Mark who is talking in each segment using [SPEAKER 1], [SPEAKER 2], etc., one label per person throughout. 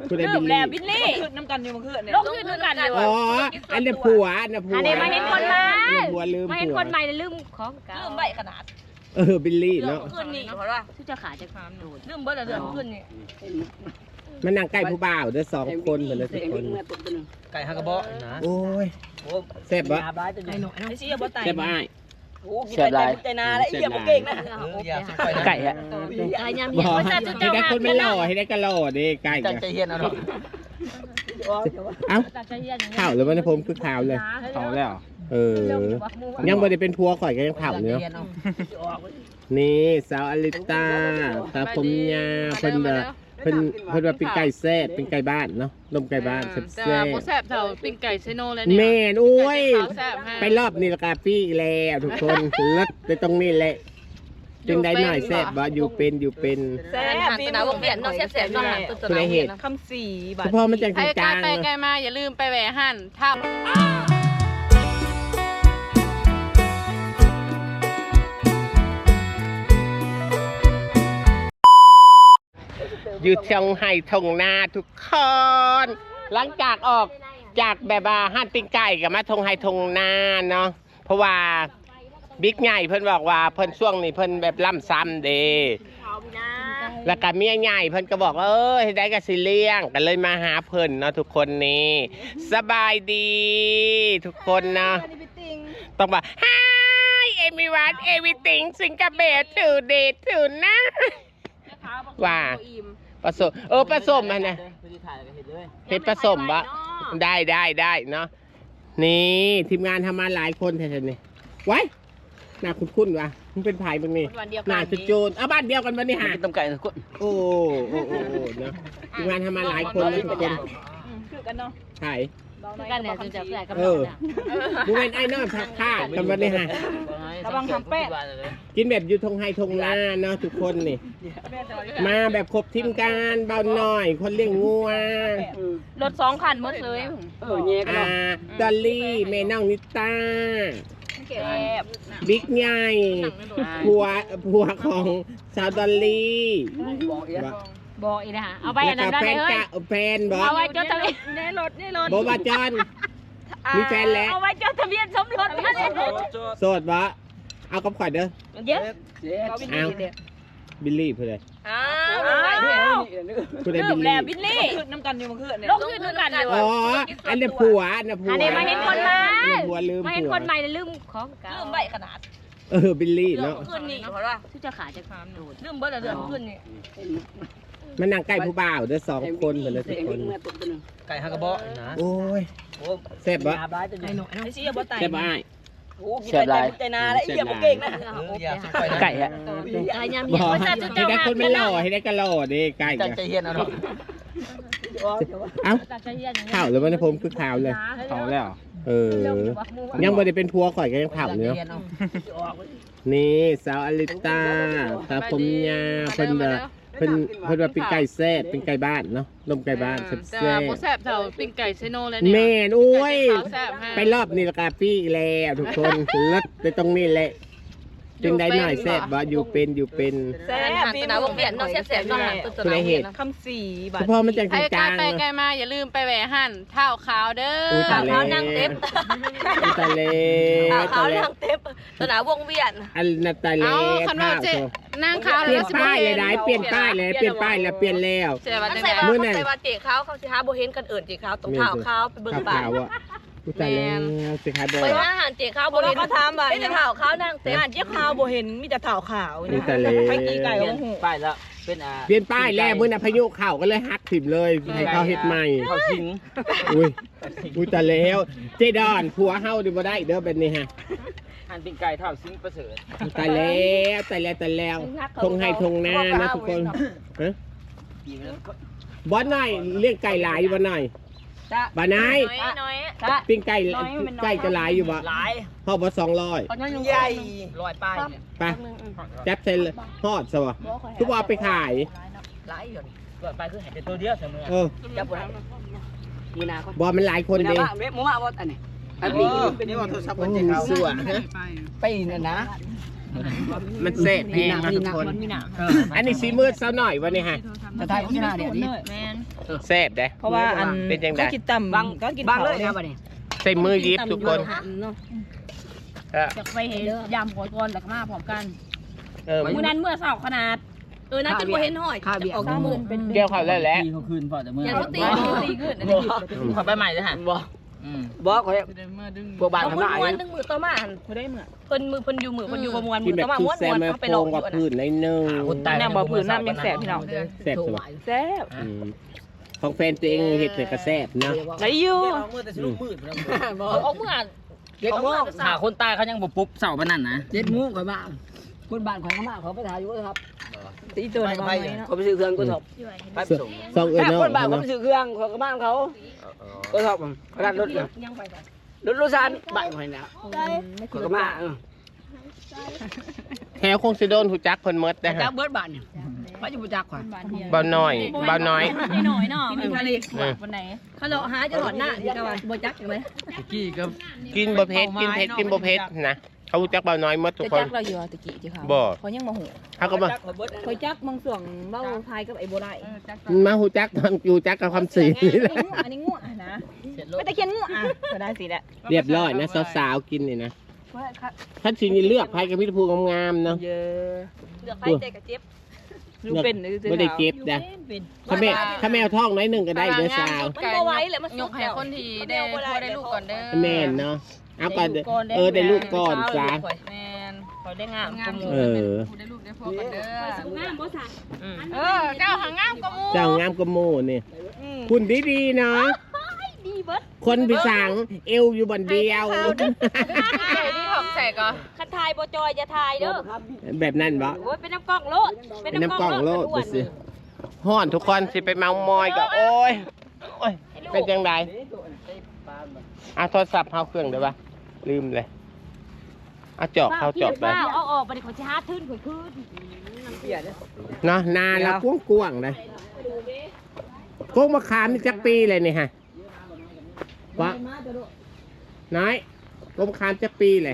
[SPEAKER 1] ลืมแล้วบิลลี่น้ำกันอยู่เมื่อคืนเนี่ยลงขึ้นน้ำกันเลยอ๋อ
[SPEAKER 2] อันนี้ผัวอันนี้ผัว
[SPEAKER 1] อันนี้มาเห็นคนใหม่
[SPEAKER 2] มา
[SPEAKER 1] เห็นคนใหม่เลยลืมของเก่าลืมใบขนาด
[SPEAKER 2] บิลลี่เนาะ
[SPEAKER 1] ขึ้นนี่เพราะว่าที่จะขาจะความโดดลืมเบิร์ดเดือดขึ้นนี่
[SPEAKER 2] มันนั่งใกล้ผู้บ่าวเด้อ2 คนเหมือนเลยทุกคน
[SPEAKER 3] ไก่ฮักกระบอกนะ
[SPEAKER 2] โอ้ยแซ่บบ่
[SPEAKER 1] ไอ้ชี้บ่ไต
[SPEAKER 2] แซ่บบ่อ้าย
[SPEAKER 1] แซ่บหลายใจนาแล้วไอ้เหี้ยบ่เก่งนะ
[SPEAKER 3] ไก่อะ
[SPEAKER 1] ไก่ยำเหี้ย
[SPEAKER 2] ให้ได้คนไม่หล่อให้ได้กะหล่อดิไก่
[SPEAKER 3] ใจเย็นเอาหรอ
[SPEAKER 2] เอ้าข่าวเลยวันนี้ผมคือข่าวเลย
[SPEAKER 3] ข่าวแล้ว
[SPEAKER 2] ยังไม่ได้เป็นพัวข่อยก็ยังข่าวเนื้อนี่สาวอลิตาตาผมยาเพิ่นว่าเป็นไก่แซ่บเป็นไก่บ้านเนาะนมไก่บ้านแซ่บแ
[SPEAKER 4] ซ่บเท่าปิ้งไก่เซโนเลยเนี่ย
[SPEAKER 2] แม่นโอ้ยไปรอบนี้ละกาปี้แล้วทุกคนเลิศไปตรงนี้แหละจึงได้หน่อยแซ่บบ่อยู่เป็น
[SPEAKER 1] แซ่บปีนะวงเวียนเนาะแซ่บๆเนาะ
[SPEAKER 2] คุณได้เห็น
[SPEAKER 1] คำสี่บาท
[SPEAKER 2] เฉพาะมันจังจาง
[SPEAKER 4] ไปไกลมาอย่าลืมไปแหวะหั่นท่า
[SPEAKER 2] อยู่เชียงไฮ้ทงนาทุกคนหลังจากออกจากแบบว่าห้านปิ้งไก่กับมาทงไฮ้ทงนาเนาะเพราะว่าบิ๊กใหญ่เพิ่นบอกว่าเพิ่นช่วงนี้เพิ่นแบบล่ำซ้ำเด้แล้วก็เมียใหญ่เพิ่นก็บอกว่าให้ได้กับสิเลี้ยงกันเลยมาหาเพิ่นเนาะทุกคนนี่สบายดีทุกคนเนาะต้องบอก Hi everyone everything Singapore today tonight ว่าผสมผสมมันนะเห็ดผสมบะได้เนาะนี่ทีมงานทำมาหลายคนแท้ๆนี่ไว้หน้าคุ้นๆว่ะมันเป็นไผ่บางนี่หน้าจุดโจนบ้านเดียวกันวันนี้หา
[SPEAKER 3] ต้มไก่ทุกคน
[SPEAKER 2] โอ้เนาะทีมงานทำมาหลายคนนะทุกคน
[SPEAKER 1] คือกันเนาะ
[SPEAKER 2] ไผ่
[SPEAKER 1] กันเนี่ยจะแปลกกัน
[SPEAKER 2] ดูเป็นไอ้น้องทักท่ากันวันนี้ฮะ
[SPEAKER 1] ระวังทำแป้ง
[SPEAKER 2] กินแบบอยู่ทงไฮทงนาเนาะทุกคนนี่มาแบบครบทีมการเบาหน่อยคนเลี้ยงงัว
[SPEAKER 1] รถ2 คันหมดเลย
[SPEAKER 2] ดอลลี่แม่น้องนิต้าบิ๊กใหญ่ผัวของสาวดอลลี่
[SPEAKER 1] บอกอีกนะเอาไปอันนั้นได้เลย
[SPEAKER 2] แฟนบอก
[SPEAKER 1] เอาไว้จดทะเบียนในรถ
[SPEAKER 2] บอกว่าจอนมีแฟนแล้ว
[SPEAKER 1] เอาไว้จดทะเบียนสมรสนะ
[SPEAKER 2] โสดวะเอากับข่อยเด้อ
[SPEAKER 1] เยอะ
[SPEAKER 2] เอาบิลลี่เพื่อเลย
[SPEAKER 1] เริ่มแล้วบิลลี่น้ำกันอยู่เมื่อคืนเนี่ยลงขึ้นน้ำกันเลย
[SPEAKER 2] อ๋ออันนี้ผัวอันนี้
[SPEAKER 1] มาเห็นคนใหม่
[SPEAKER 2] มา
[SPEAKER 1] เห็นคนใหม่เลยลืมของเก่าลืมใบขนาด
[SPEAKER 2] บิลลี่เนาะ
[SPEAKER 1] ขึ้นนี่เพราะว่าที่จะขาจะความโดดลืมเบิร์ดเดือดขึ้นนี่
[SPEAKER 2] มันนั่งใกล้ผู้บ่าวเด้อ2 คนเหมือนเลยทุกคน
[SPEAKER 3] ไก่ฮักกระบอกนะ
[SPEAKER 2] โอ้ยแซ่บบ่
[SPEAKER 1] ไอ้ชี้บ่ไต
[SPEAKER 2] แซ่บบ่อ้าย
[SPEAKER 1] แซ่บหลายใจนาแล้วไอ้เหี้ยบ่เก่งนะ
[SPEAKER 3] ไก่อะ
[SPEAKER 1] ไก่ยำเหี้ย
[SPEAKER 2] ให้ได้คนไม่หล่อให้ได้กะหล่อดิไก่
[SPEAKER 3] ใจเย็นเอาหรอ
[SPEAKER 2] เอ้าข่าวเลยวันนี้ผมคือข่าวเลย
[SPEAKER 3] ข่าวแล้ว
[SPEAKER 2] ยังไม่ได้เป็นพัวข่อยก็ยังข่าวเนื้อนี่สาวอลิตาตาผมยาเพิ่นว่าเป็นไก่แซ่บเป็นไก่บ้านเนาะนมไก่บ้านแซ่บ
[SPEAKER 4] แซ่บเท่าปิ้งไก่เซโนเลยเนี่ย
[SPEAKER 2] แม่นโอ้ยไปรอบนี้ละกาปี้แล้วทุกคนเลิศไปตรงนี้แหละจึงได้หน่อยแซ่บบ่อยู่เป็น
[SPEAKER 1] แซ่บปีนะวงเวียนเนาะแซ่บๆเนาะ
[SPEAKER 2] คุณได้เห็น
[SPEAKER 1] คำ4 บาท
[SPEAKER 2] เฉพาะมันจังจาง
[SPEAKER 4] ไปไกลมาอย่าลืมไปแหวะหั่นเท้าขาวเด้อ
[SPEAKER 1] ขาวนั่งเต็ม
[SPEAKER 2] ตาเล
[SPEAKER 1] ขาวนั่งเต็มสนามวงเวียน
[SPEAKER 2] อันนาตาเล
[SPEAKER 4] คันว่าเจ๊นั่งขาว
[SPEAKER 2] เปลี่ยนป้ายเลยได้เปลี่ยนป้ายแล้วเปลี่ยนแล้ว
[SPEAKER 1] เมื่อไหร่ว่าเจ๊ขาวเขาสิหาบ่เห็นกันเอิ้นเจ๊ขาวตรงเท้าขาวไปเบิ่งบ้าน
[SPEAKER 2] ผู้ตายแล้วสิขายบ่
[SPEAKER 1] ไปว่าอาหารเจ๊ขาวบ่เห็นก็ถามว่าเป็นเท้าขาวนั่งเต็มอาหารเจ๊ขาวบ่เห็นมีแต่เท้าขาว
[SPEAKER 2] นี่ไป
[SPEAKER 1] กี่ไก่โอ้โห
[SPEAKER 3] ป้ายแล้วเป็น
[SPEAKER 2] เปลี่ยนป้ายแล้วมื้อน่ะพายุเข้าก็เลยฮักถิ่มเลยให้เขาเฮ็ดใหม่
[SPEAKER 3] เขาสิง
[SPEAKER 2] อุ้ยตายแล้วเจดอนผัวเฮาดิบ่ได้เด้อแบบนี้ฮะ
[SPEAKER 3] หั่นปิ้งไก่เท่าสิงประเสริฐ
[SPEAKER 2] ตายแล้วทงให้ทงหน้านะทุกคนฮะบ่หน่อยเลี้ยงไก่หลายบ่หน่อยบ่นายปิ้งไก่จะหลายอยู่บ่
[SPEAKER 1] หลาย
[SPEAKER 2] ฮอดบ่200
[SPEAKER 1] ใหญ่
[SPEAKER 3] 100ป้ายเนี่ย
[SPEAKER 2] ไปจับใส่ฮอดซะบ่ทุกว่าไปขาย
[SPEAKER 1] หลายอยู่
[SPEAKER 3] 100ป้ายคือให้แต่ตัวเดียวเสมอ
[SPEAKER 1] จับบ่ได้
[SPEAKER 2] มีนาบ่มันหลายคนเด้
[SPEAKER 1] หมู่มาบ่อันนี้
[SPEAKER 3] อันนี้เป็นว่าโทรศัพท์เจ๊ขาว
[SPEAKER 2] สวย
[SPEAKER 1] ไปนั่นนะ
[SPEAKER 2] มันแซ่บแห้งนะทุกคน อันนี้สีมืดซะหน่อยวันนี้ฮะ
[SPEAKER 3] จะทายของชนะเดี๋ยวนี้
[SPEAKER 1] แมน
[SPEAKER 2] แซ่บเด้
[SPEAKER 1] เพราะว่าอัน
[SPEAKER 2] เป็นจังได๋
[SPEAKER 1] ก็กินต่ำก็กิน
[SPEAKER 3] บาง
[SPEAKER 1] เผา
[SPEAKER 3] เลย
[SPEAKER 1] เลย
[SPEAKER 3] ครับวันนี้
[SPEAKER 2] ใส่มือยิบทุกคน
[SPEAKER 5] จะไปเห็นยำหัวก้อนแล้วก็มาพร้อมกัน
[SPEAKER 2] เออ
[SPEAKER 5] มื้อนั้นเมื่อเสาร์ขนาดน่าจะบ่เห็นห้อย
[SPEAKER 3] ค่าเบียร์
[SPEAKER 5] ออกหมื่นเป็น
[SPEAKER 2] เกี่ยวเขาแล้วแหละ
[SPEAKER 3] ตีเขาคืนพอแต่เมื่อ
[SPEAKER 5] อย่างเขาตีขึ้น
[SPEAKER 3] ขอไปใหม่เลยฮะบ่ขอพวกบ้าน
[SPEAKER 5] เอา
[SPEAKER 3] ทำหน้า
[SPEAKER 5] ม้วนดึงมือต่อมาหัน
[SPEAKER 1] เขาได้เหมือน
[SPEAKER 5] เพิ่นมือเพิ่นอยู่มือเพิ่นอยู่ประมวล
[SPEAKER 2] กิ
[SPEAKER 5] มื
[SPEAKER 2] น
[SPEAKER 5] อ
[SPEAKER 2] แบบ
[SPEAKER 5] ต่อมา
[SPEAKER 2] คือ
[SPEAKER 5] ม้วน
[SPEAKER 2] แซ่บ
[SPEAKER 5] ม้วน
[SPEAKER 2] แม่
[SPEAKER 5] เขาไป
[SPEAKER 2] โป
[SPEAKER 5] หล
[SPEAKER 2] ร
[SPEAKER 5] อก
[SPEAKER 2] ง
[SPEAKER 5] อยู่
[SPEAKER 2] กับ
[SPEAKER 5] อัน
[SPEAKER 2] พื้นในหนึ่ง
[SPEAKER 1] น้ำบ่อผืนน้ำยังแสบพี่น้อง
[SPEAKER 2] แซ่บสุดของแฟนตัวเองเห็ดเลยก็แซ่บเนาะ
[SPEAKER 1] ไรอยู่
[SPEAKER 5] เอาเมื่อ
[SPEAKER 3] เจ็ดโมงขาคนตายเขายังบ่ปุ๊บเสาร์ปานนั้นนะ7 โมงข่อยมาคนบ้านข่อยก็มาเขาไปถ่ายอยู่ครับ
[SPEAKER 1] ตีตัวในบ้านเนาะ
[SPEAKER 3] เขาไปซื้อเครื่องก็สอบไปส่ง
[SPEAKER 2] ซองเอ้ย
[SPEAKER 3] แค่
[SPEAKER 2] เนาะ
[SPEAKER 3] คนบ้านเขาไปซื้อเครื่องเขาก็บ้านเขาก็สอบเขาดันรถเลย
[SPEAKER 5] ยังไป
[SPEAKER 3] รถซานบ้านข่อยนะเขาก็มา
[SPEAKER 2] แถวคงสิโดนหูจักเพิ่นหมดได้
[SPEAKER 3] จั
[SPEAKER 2] ฮะ
[SPEAKER 3] กเบิดบ้านเนี่ยไปอยู่จักข่อย
[SPEAKER 2] เบาน้อยเบาน้อย
[SPEAKER 5] น้อยเนาะ
[SPEAKER 1] กินทะเล
[SPEAKER 5] วันไหนเขาเลาะหาจะถอดหน้าดีกว่าบ่จักจังเลย
[SPEAKER 3] กี้ก็
[SPEAKER 2] กินบ่เผ็ดกินเผ็ดกินบ่เผ็ดนะเขารู้จักเบาน้อยหมดทุก
[SPEAKER 1] จะ
[SPEAKER 2] คน
[SPEAKER 1] จักเราอยู่ตะกี้ที่เขา
[SPEAKER 2] บ่
[SPEAKER 1] เขายังมาหู
[SPEAKER 2] เขาก็มา
[SPEAKER 1] คอยจักมังส่วงเบ้าทายกับไอ้โบได้
[SPEAKER 2] มาหูจักตอนอยู่จักกับความสีนี่แหละ
[SPEAKER 1] อันนี้ง่วนะไม่ตะเคียนง่วก็ได้สิแหละ
[SPEAKER 2] เรียบร้อยนะสาวๆกินนี่นะถ้าสินี่เลือกไผกับมิตรภูงามๆเนาะ
[SPEAKER 1] เยอะ
[SPEAKER 5] เลือกไปเตะกับเจ็บ
[SPEAKER 1] ดูเป็นหรือ
[SPEAKER 2] บ่ได้เก็บนะถ้าแมวท้องน้อยหนึงก็ได้เด้อสาว
[SPEAKER 5] มันบ่ไหวเลยมันยกให้คนที่ได้พอได้ลูกก่อนเด้อ
[SPEAKER 2] แม่นเนาะเอาก่อนได้ลูกก่อนซะ
[SPEAKER 5] แม่นขอได้งาม
[SPEAKER 2] เออ
[SPEAKER 5] ได้ลูกได้พ่อกันเด้องามบ่ซะเจ้าหางามกว่าหมู่
[SPEAKER 2] เจ้างามกว่าหมู่นี่คุณดีๆเนาะ
[SPEAKER 5] ดีเบิด
[SPEAKER 2] คนพิสังเอวอยู่บนเดียว
[SPEAKER 5] เดี๋ยวนี้ของแสกอ่ะคันทายบ่จอยจะทายเด้อ
[SPEAKER 2] แบบนั้นบ่
[SPEAKER 5] โอ้ยเป็นน้ำกล้องโลด
[SPEAKER 2] เป็นน้ำกล่องโลดดูสิฮ้อนทุกคนสิไปเมามอยก็โอ้ยเป็นจังไดเอาโทรศัพท์เข้าเครื่องได้ปะลืมเลยเอาจอบเข้าจอบไป
[SPEAKER 5] เอาออกไปดิเขาสิหาทื่นข่อยคืน
[SPEAKER 2] เนาะนาแล้วกว้างๆเลยโก้งมะขามนี่จักปีเลยนี่ฮะวะน้อยโก้งมะขามจักปีเลย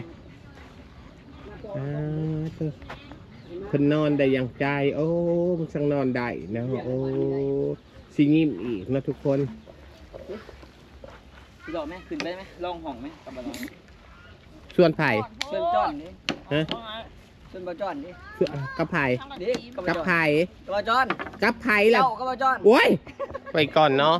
[SPEAKER 2] เพิ่นนอนได้อย่างใจโอ้มันสั่งนอนได้นะโอ้สิงิมอีกนะทุกคน
[SPEAKER 3] รอไหมขึ้นไปไหมลองห้องไหมกับบ่ลอง
[SPEAKER 2] ส่วนไผ่
[SPEAKER 3] เชิญจ้อนดิ
[SPEAKER 2] ฮะ
[SPEAKER 3] เชิญบ่จ้อนดิ
[SPEAKER 2] กับไผ่
[SPEAKER 3] ดิ
[SPEAKER 2] กับไผ่
[SPEAKER 3] บ่จ้อน
[SPEAKER 2] กับไผ่ล่ะ
[SPEAKER 3] เจ้ากับบ่จ้อน
[SPEAKER 2] โอ้ยไปก่อนเนาะ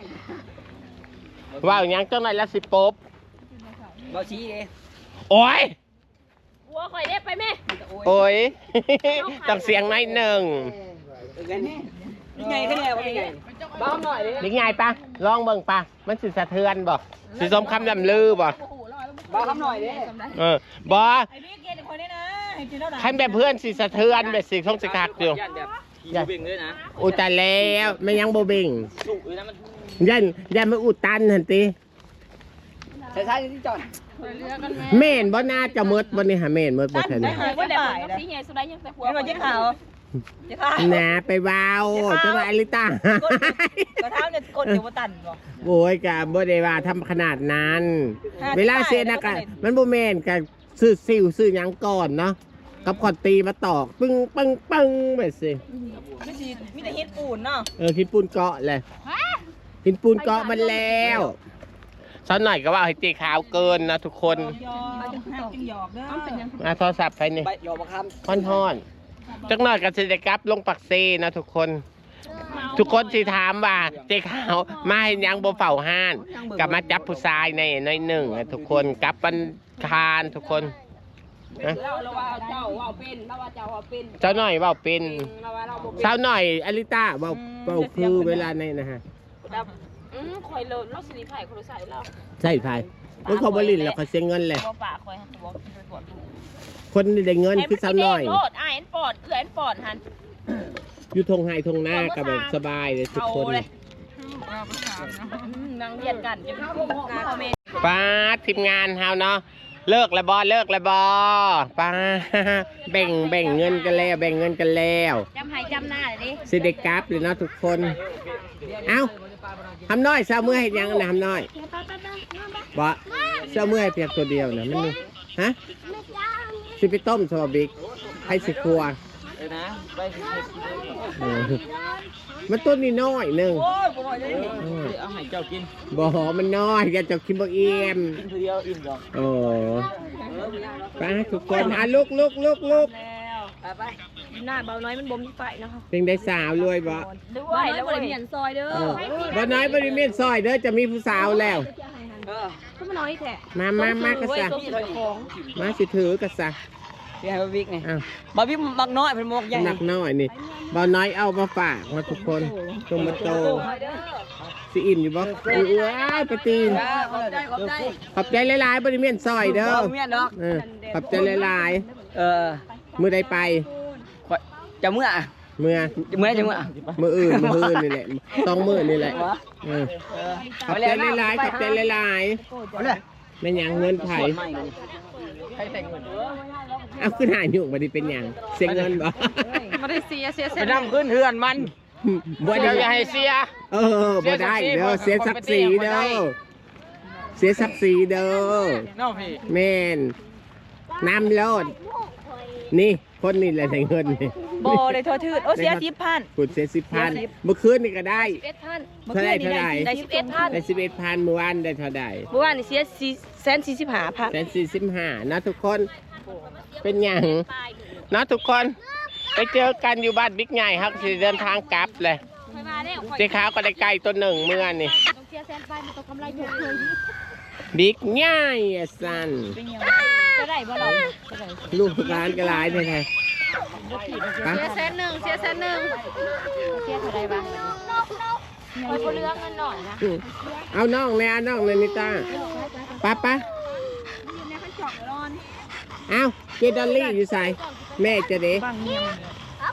[SPEAKER 2] ว่าอย่างยังเจ้าหน่อยละสิปบ
[SPEAKER 3] บ่ชี้ดิ
[SPEAKER 2] โอ้ย
[SPEAKER 5] หัวข่อยได้ไปแม่
[SPEAKER 2] โอ้ย ต้องเสียงหน่อยหนึ่ง
[SPEAKER 3] กันนี่นี่ไงขึ้นแล้วนี่ไงบ้าหน่อยดิ
[SPEAKER 2] นี่ไงปะลองเบิ่งปะมันสิสะเทือนบ่สิสมคำลำลือบ่
[SPEAKER 3] บ้าคำหน่อยดิ
[SPEAKER 2] บ่
[SPEAKER 1] ไอ้พี่เกณฑ์คนนี้นะให้กินแล้วนะ
[SPEAKER 2] คันแบบเพื่อนสิสะเทือนแบบสิทงสิคักอยู่
[SPEAKER 3] ยันแบบขี่เบ่งเลยนะ
[SPEAKER 2] อุยตายแล้วไม่ยังบ่เบ่ง
[SPEAKER 3] สุกเลยนะมัน
[SPEAKER 2] ยันมาอุดตันหั่นติ
[SPEAKER 3] ใช่ๆที่จ้อน
[SPEAKER 2] แม่นบ่น่าจะหมดบ่นี่หาแม่นหมดบ่ทัน
[SPEAKER 1] ได้หายก็ได้
[SPEAKER 5] สีใหญ่สุดได้ยังแต่หัว
[SPEAKER 1] เป็นวันที่ขาวจะขาว
[SPEAKER 2] นะไปเว้าจะว่าอลิตา
[SPEAKER 1] ก็เท้าเนี่ยกดอยู่บนตันบ่
[SPEAKER 2] โอ้ยกะบ่ได้ว่าทำขนาดนั้น เวลาเสียนะกะมันบ่แม่นกะซื้อซิวซื้อหยังก่อนเนาะกับขอดตีมาตอกปึ้งปึ้งปึ้งแบบสิ
[SPEAKER 1] ไม่ใช่มีแต่ฮิตปูนเนาะ
[SPEAKER 2] หินปูนเกาะเลยหินปูนเกาะมันแล้วสักหน่อยก็ว่าให้ตีขาวเกินนะทุกคน
[SPEAKER 1] ยอห้ามจึงหยอกเด้อ
[SPEAKER 2] เอาโทรศัพท์ไปนี่
[SPEAKER 3] ไปหยอกมาค
[SPEAKER 2] ท่อนจักหน่อยก็สิได้กลับลงปักเซนะทุกคน ทุกคนสิถามว่าเจ๊ขาวมาให้ยังบ่เฝ้าห้านกลับมาจับผู้ชายในน้อยหนึ่งอะทุกคนกลับวันคานทุกคนนะ
[SPEAKER 5] เราว่าเจ้าว่าเป็นเราว่าเจ้าว่าเป็น
[SPEAKER 2] เจ้าหน่อยเว่าเป็น
[SPEAKER 5] เราว่าเราบ่
[SPEAKER 2] เจ้าหน่อยอลิต้าเว่าคือเวลาในนะฮะ
[SPEAKER 5] คอยเลิศเราสิไผ่คนใส่เรา
[SPEAKER 2] ใช่พายมันเขาบริลแล้วเขาเสียเงินเลย
[SPEAKER 5] บ่ปากคอยบ่ปวด
[SPEAKER 2] คนที่ได้เงินคือสาวหน่อย
[SPEAKER 5] โลดอ้ายปอดเอื้อนปอดหัน
[SPEAKER 2] อยู่ทงไฮทงหน้ากับแบบสบายเลยทุกคน
[SPEAKER 5] นางเรียนกันจะเข้าห้องคอมเมนต์
[SPEAKER 2] ป้าทีมงานเฮาเนาะเลิกแล้วบอป้าแบ่งเงินกันแล้วแบ่งเงินกันแล้ว
[SPEAKER 5] จำให้จำหน้าเลย
[SPEAKER 2] สิได้กราฟเลยเนาะทุกคน เอ้าทำน้อยเศร้าเมื่อให้ยังนะทำน้อยบ่เศร้าเมื่อให้เพียงตัวเดียวนะมันนี่ฮะสิไปต้มซอบิ๊กให้สิครัว
[SPEAKER 3] นะไปสิ
[SPEAKER 2] เออมันต้นนี่น้อยหนึ่ง
[SPEAKER 3] โอ้ยบ่น้อยเลยเอาให้เจ้ากิน
[SPEAKER 2] บ่หอมันน้อยแกจะกินบ่เอี่ยม
[SPEAKER 3] กินเดียวอิ่มดอก
[SPEAKER 2] โอ้ไปทุกคนลุก
[SPEAKER 1] ไปหน้าเบาน้อยมันบ่มีไฟนะคะ
[SPEAKER 2] เป็นได้สาวรวยบ่
[SPEAKER 1] ด้วยแล้วบ่ได้เมียนซอยเด้อ
[SPEAKER 2] บ่น้อยบ่ได้เมียนซอยเด้อจะมีผู้สาวแล้ว
[SPEAKER 1] ก็มาน้อยแท้
[SPEAKER 2] มากระซะมาสิถือกระซะ
[SPEAKER 3] พี่ให้บาบิ๊กนี่
[SPEAKER 2] อ้าว
[SPEAKER 3] บาบิ๊กมักน้อยเป็นหมวกใหญ่
[SPEAKER 2] หนักน้อยนี่บ่น้อยเอามาฝากมาทุกคนจงมาโตสิอิ่มอยู่บ่อุ้ยปะตีน ขอบใจหลายๆบริเวณซอยเด้อ
[SPEAKER 3] เมียดอก
[SPEAKER 2] ขอบใจหลาย
[SPEAKER 3] ๆ
[SPEAKER 2] มือใดไป
[SPEAKER 3] จะเมื่อ
[SPEAKER 2] เมื่อ
[SPEAKER 3] จะเมื่อจะเมื่อ
[SPEAKER 2] มืออื่นนี่แหละ2 มื้อนี่แหละขอบใจหลายๆขอบใจหลาย
[SPEAKER 3] เอาเลย
[SPEAKER 2] ๆแม่นหยังเงินไผ
[SPEAKER 3] ใครแต่งเงิน
[SPEAKER 2] เอาขึ้นหายุ่งบ่ได้เป็นหยังเสียเงินบ่
[SPEAKER 4] ไม่ได้เสีย
[SPEAKER 3] ไปนำขึ้นเฮือนมัน
[SPEAKER 2] บ่ได้
[SPEAKER 3] อย่าให้เสีย
[SPEAKER 2] บ่ได้เด้อเสียศักดิ์ศรีเด้อเสียศักดิ์ศรีเด้อ
[SPEAKER 3] น้องพี่
[SPEAKER 2] แม่นน้ำโลดนี่คนนี่แหละได้เงินนี่
[SPEAKER 1] บ่ได้โทษทืดโอ้เสีย10,000
[SPEAKER 2] คุณเสีย10,000เมื่อคืนนี่ก็ได้
[SPEAKER 1] 11,000เมื่อคืนนี้ได้11,000
[SPEAKER 2] ได้11,000เมื่อวานได้เท่าใด
[SPEAKER 1] เมื่อวานนี่เสีย445,000
[SPEAKER 2] 145นะทุกคนเป็นอย่างนะทุกคนไปเจอกันอยู่บ้านบิ๊กใหญ่ครับสิเดินทางกลับเลยเจ๊ขาวก็ได้ไก่ตัวหนึ่งเมื่อนี่บิ๊กใหญ่อะสัน
[SPEAKER 1] จะได้บ่เรา
[SPEAKER 2] ลูกร้านก็ร้ายเลยไง
[SPEAKER 4] เสียแสนหนึ่งเสียแสนหนึ่ง
[SPEAKER 1] เสียเท่าไหร่บ้างคอยบ่เลือกเงินหน่อยนะ
[SPEAKER 2] เอาน้องเลยนิต้าป้าเอาเจดอลลี่อยู่ใส่แม่จะเด็ก
[SPEAKER 1] บางเงียบ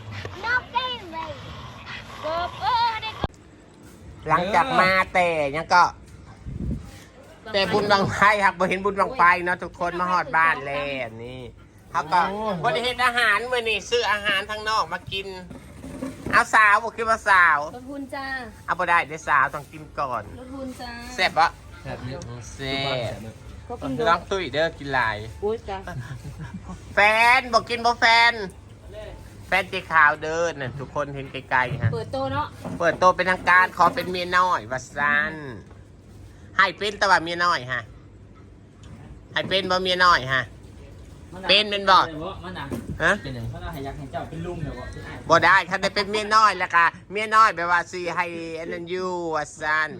[SPEAKER 2] หลังจากมาแต่ยังก็แต่บุญบังไฟครับบ่เห็นบุญบังไฟเนาะทุกคนมาฮอดบ้านแล้วนี่เขาก็บ่ได้เห็นอาหารมื้อนี้ซื้ออาหารทางนอกมากินเอาสาวบ่คิดว่าสาว
[SPEAKER 1] รถบุญจ้า
[SPEAKER 2] เอาบ่ได้เดี๋ยวสาวต้องกินก่อน
[SPEAKER 1] รถบุญจ้า
[SPEAKER 2] แซ่บปะแซ่บลองตุ้ยเด้อกินหลาย
[SPEAKER 1] อุ้ยจ้า
[SPEAKER 2] แฟนบอกกินบ่แฟนเจ๊ขาวเดินน่ะทุกคนเห็นไกลๆฮะ
[SPEAKER 1] เปิดโตเนาะ
[SPEAKER 2] เปิดโตเป็นทางการขอเป็นเมียน้อยว่าซั่นให้เป็นแต่ว่าเมียน้อยฮะให้เป็นบ่เมียน้อยฮะเป็นบ่
[SPEAKER 3] มันน่ะ
[SPEAKER 2] ฮะ
[SPEAKER 3] เป็นอย่างเขาให้ยักษ์ให้เจ้าเป็นลุงเดี๋ยว
[SPEAKER 2] บ่ได้ถ้าได้เป็นเมียน้อยแล้วก็เมียน้อยแปลว่าสิให้อันนั้นอยู่ว่าซั่น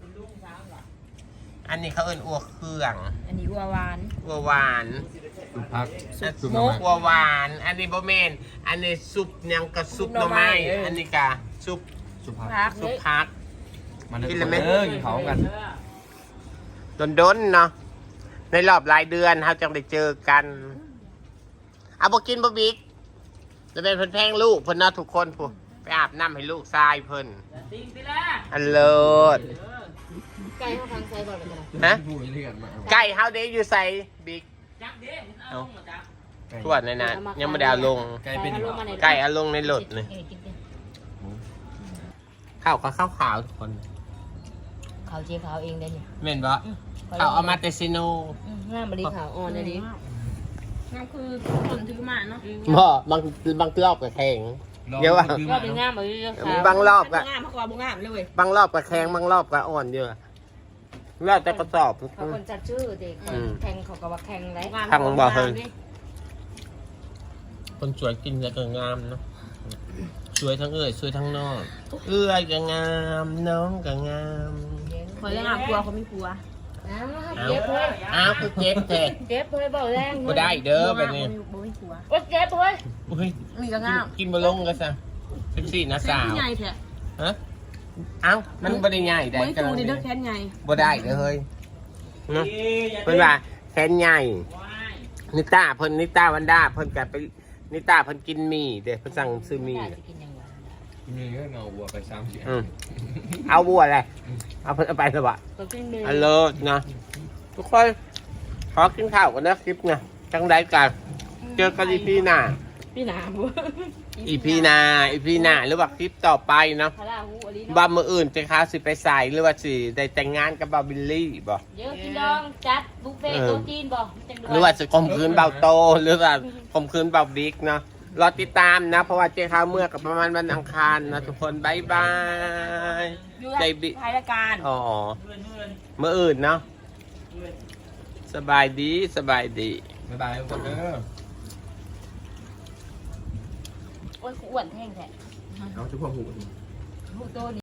[SPEAKER 2] อันนี้เขาเอิ้นอัวเครื่อง
[SPEAKER 1] อันนี้วัวหวาน
[SPEAKER 2] อัวหวาน
[SPEAKER 6] พัก
[SPEAKER 2] หมกอัวหวาน อันนี้บ่แม่นอันนี้ซุปหยังก็ซุปหน่อไม้อันนี้ก็ซุป
[SPEAKER 6] สุภาพ
[SPEAKER 1] พัก
[SPEAKER 2] ซุปผัก
[SPEAKER 6] มัน
[SPEAKER 2] กินเลยไหม
[SPEAKER 6] กินเขากัน
[SPEAKER 2] ดนๆเนาะในรอบหลายเดือนเราจังได้เจอกันเอาบ่กินบ่บิ๊กจะเป็นเพิ่นแพงลูกเพิ่นเนาะทุกคนผู้ไปอาบน้ำให้ลูกชายเพิ่นอันเลิศ
[SPEAKER 1] ไก่เขาทางไซบ่เลย
[SPEAKER 2] ฮะ
[SPEAKER 6] ผู้เรียนมา
[SPEAKER 2] ไก่เฮาเด้อยู่ใส่บิ๊กเอาทวดในนั้นยังไม่ได้เอาลง
[SPEAKER 6] ไกลเป็นอยู่
[SPEAKER 2] ไก่เอาลงในรถเลยข้าวก็ข้าวขาวทุกคน
[SPEAKER 1] เขาเจ๊ขาวเองได้เนี่ย
[SPEAKER 2] แม่นบ่ข้าวเอามาเตซิโน
[SPEAKER 1] งามบริขาวอ่อนเลยดิ
[SPEAKER 5] งามคือคนถือมาเนาะ
[SPEAKER 2] บ่บางรอบก็แข็งเดี๋ยวว่า
[SPEAKER 1] ก็เป็นงามเลยขาว
[SPEAKER 2] บางรอบก็
[SPEAKER 1] งามเขาก็บ่งามเลยเว้ย
[SPEAKER 2] บางรอบก็แข็งบางรอบก็อ่อนเยอะแล้วแต่กระสอบ
[SPEAKER 1] เขาคนจัดชื่อเด็กแข่งเขาก็ว่าแข่งไร
[SPEAKER 2] ทางบ่เฮยคนสวยกินแล้วก็งามเนาะสวยทั้งเอ้ยสวยทั้งนอกเอ้ยก็งามน้องก็งาม
[SPEAKER 1] คอยงามกลัวเขาไม่กลัว
[SPEAKER 2] เจ็บเลยอ้าวคือเจ็บแท้
[SPEAKER 1] เจ็บเลยบอกแรง
[SPEAKER 2] บ่ได้เด้อแบบนี้
[SPEAKER 1] บ่ไม่กลัวโอ้เจ็บเลย
[SPEAKER 2] อุ้ย
[SPEAKER 1] นี่ก็งาม
[SPEAKER 2] กินบ่ลงก็ซะ14นะสาว
[SPEAKER 1] ใหญ่แท้
[SPEAKER 2] ฮะเอ้ามันบ่ได้ใหญ่ได้
[SPEAKER 1] ไม่จูนี่เด้อแค่ใหญ่
[SPEAKER 2] บ่ได้เด้อเฮ้ยเนาะเพิ่นว่าแขนใหญ่นิต้าวันด้าเพิ่นก็ไปนิต้าเพิ่นกินหมี่เด้เพิ่นสั่งซื้อหมี่
[SPEAKER 6] มีเรื่องเงาวัวไปซ้ำเสีย
[SPEAKER 2] เอาบัวอะไรเอาเพิ่นเอาไปซะบ่
[SPEAKER 1] ก็กินเมย์
[SPEAKER 2] อันเลิศนะทุกคนขอกินข้าวกันนะคลิปนะจังไดกันเจอกันอีพีหน้า
[SPEAKER 1] พี่หนาบัว
[SPEAKER 2] อีพีหนาหรือว่าคลิปต่อไปเนาะ
[SPEAKER 1] พาราหูอลี
[SPEAKER 2] ว่ามืออื่นจะค้าสิไปใส่หรือว่าสิได้แต่งงานกับบาบิลลี่บ่
[SPEAKER 1] เยอะพี่น้องจัดบุฟเฟ่ต์โต๊ะจีนบ่จัง
[SPEAKER 2] หรือว่าจะข่มขืนเบาโตหรือว่าข่มขืนเบาบิ๊กเนาะรอติดตามนะ เพราะว่าเจ้าข้าวเมื่อกับประมาณวันอังคารนะทุกคนบายบายใจบิ
[SPEAKER 1] ท้ายรายการ
[SPEAKER 2] อ๋อเมื่ออื่นเนาะสบายดีสบายดี
[SPEAKER 6] บ๊ายบายทุกคนเด้อ
[SPEAKER 1] โอ้ยกูอ้วนแท่งแท้
[SPEAKER 6] เอาชุบพ่อหู
[SPEAKER 1] หูโตนี่